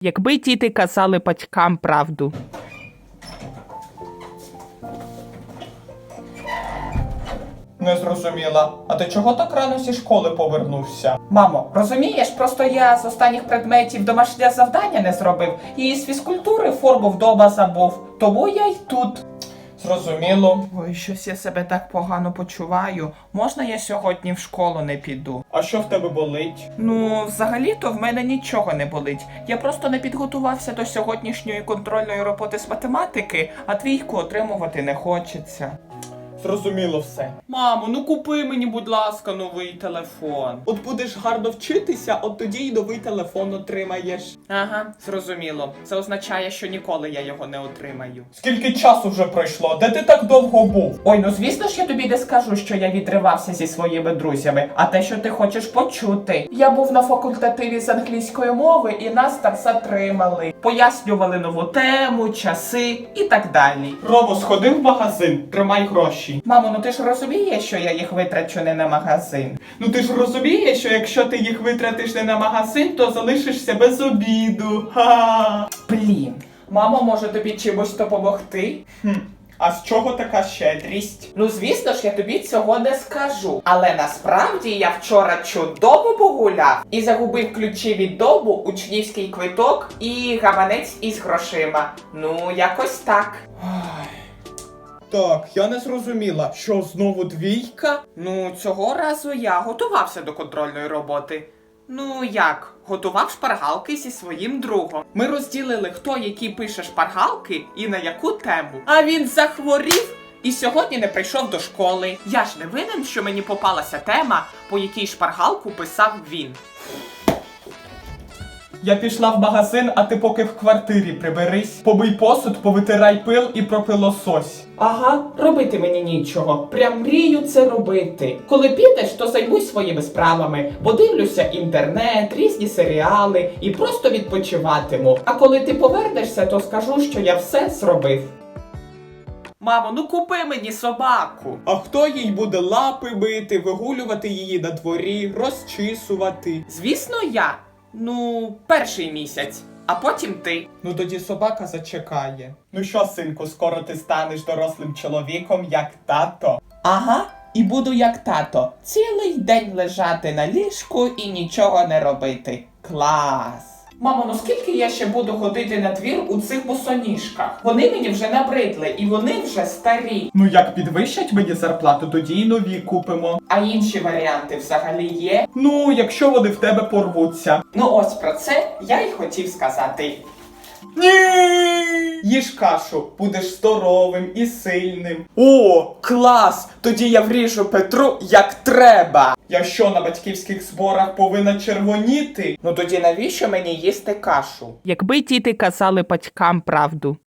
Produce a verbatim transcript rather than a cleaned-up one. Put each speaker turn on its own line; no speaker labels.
Якби діти казали батькам правду.
Не зрозуміла. А ти чого так рано зі школи повернувся? Мамо, розумієш, просто я з останніх предметів домашнє завдання не зробив. І з фізкультури форму вдома забув. Тому я й тут. Зрозуміло. Ой, щось я себе так погано почуваю. Можна я сьогодні в школу не піду? А що в тебе болить? Ну, взагалі-то в мене нічого не болить. Я просто не підготувався до сьогоднішньої контрольної роботи з математики, а двійку отримувати не хочеться. Зрозуміло все. Мамо, ну купи мені, будь ласка, новий телефон. От будеш гарно вчитися, от тоді й новий телефон отримаєш. Ага, зрозуміло. Це означає, що ніколи я його не отримаю. Скільки часу вже пройшло? Де ти так довго був? Ой, ну звісно ж я тобі не скажу, що я відривався зі своїми друзями, а те, що ти хочеш почути. Я був на факультативі з англійської мови і нас там затримали. Пояснювали нову тему, часи і так далі. Ромо, сходи в магазин, тримай гроші. Мамо, ну ти ж розумієш, що я їх витрачу не на магазин? Ну ти ж розумієш, що якщо ти їх витратиш не на магазин, то залишишся без обіду. Ха! Блін. Мамо, може тобі чимось допомогти? Хм. А з чого така щедрість? Ну, звісно ж, я тобі цього не скажу. Але насправді я вчора чудово погуляв і загубив ключі від дому, учнівський квиток і гаманець із грошима. Ну, якось так. Так, я не зрозуміла, що знову двійка? Ну, цього разу я готувався до контрольної роботи. Ну як, готував шпаргалки зі своїм другом. Ми розділили, хто які пише шпаргалки і на яку тему. А він захворів і сьогодні не прийшов до школи. Я ж не винен, що мені попалася тема, по якій шпаргалку писав він. Я пішла в магазин, а ти поки в квартирі приберись. Побий посуд, повитирай пил і пропилосось. Ага, робити мені нічого. Прям мрію це робити. Коли підеш, то займусь своїми справами. Подивлюся інтернет, різні серіали і просто відпочиватиму. А коли ти повернешся, то скажу, що я все зробив. Мамо, ну купи мені собаку. А хто їй буде лапи бити, вигулювати її на дворі, розчісувати? Звісно, я. Ну, перший місяць, а потім ти. Ну тоді собака зачекає. Ну що, синку, скоро ти станеш дорослим чоловіком, як тато? Ага, і буду як тато. Цілий день лежати на ліжку і нічого не робити. Клас! Мамо, ну скільки я ще буду ходити на двір у цих босоніжках? Вони мені вже набридли і вони вже старі. Ну як підвищать мені зарплату, тоді й нові купимо. А інші варіанти взагалі є? Ну, якщо вони в тебе порвуться. Ну ось про це я й хотів сказати. Ні! Їж кашу, будеш здоровим і сильним. О, клас! Тоді я вріжу Петру як треба. Я що, на батьківських зборах повинна червоніти? Ну тоді навіщо мені їсти кашу?
Якби діти казали батькам правду.